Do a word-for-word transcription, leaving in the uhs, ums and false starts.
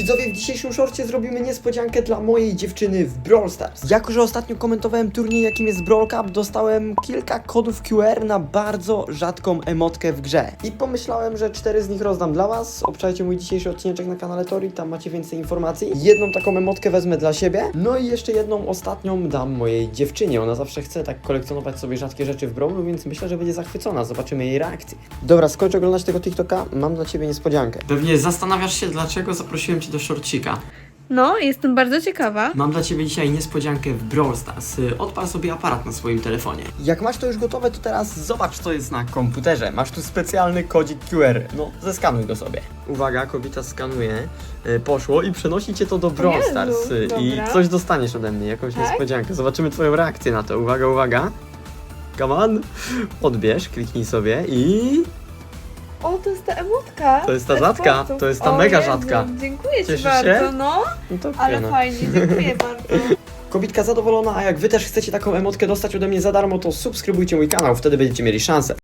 Widzowie, w dzisiejszym shorcie zrobimy niespodziankę dla mojej dziewczyny w Brawl Stars. Jako że ostatnio komentowałem turniej, jakim jest Brawl Cup, dostałem kilka kodów Q R na bardzo rzadką emotkę w grze. I pomyślałem, że cztery z nich rozdam dla was. Obczajcie mój dzisiejszy odcinek na kanale Tori, tam macie więcej informacji. Jedną taką emotkę wezmę dla siebie, no i jeszcze jedną ostatnią dam mojej dziewczynie. Ona zawsze chce tak kolekcjonować sobie rzadkie rzeczy w Brawlu, więc myślę, że będzie zachwycona. Zobaczymy jej reakcję. Dobra, skończ oglądać tego TikToka, mam dla ciebie niespodziankę. Pewnie zastanawiasz się, dlaczego zaprosiłem cię do shortcika. No, jestem bardzo ciekawa. Mam dla ciebie dzisiaj niespodziankę w Brawl Stars. Odpal sobie aparat na swoim telefonie. Jak masz to już gotowe, to teraz zobacz, co jest na komputerze. Masz tu specjalny kodzik Q R. No, zeskanuj go sobie. Uwaga, kobieta skanuje. Y, poszło i przenosi cię to do Brawl Jezu, Stars. Y, I dobra. coś dostaniesz ode mnie, jakąś Tak? niespodziankę. Zobaczymy twoją reakcję na to. Uwaga, uwaga. Come on. Odbierz, kliknij sobie i... O, to jest ta emotka. To jest ta Bez rzadka, płatów. to jest ta O mega Jezu, rzadka. Dziękuję Cieszysz ci bardzo, się? no. No to Ale fajne. fajnie, dziękuję bardzo. Kobitka zadowolona, a jak wy też chcecie taką emotkę dostać ode mnie za darmo, to subskrybujcie mój kanał, wtedy będziecie mieli szansę.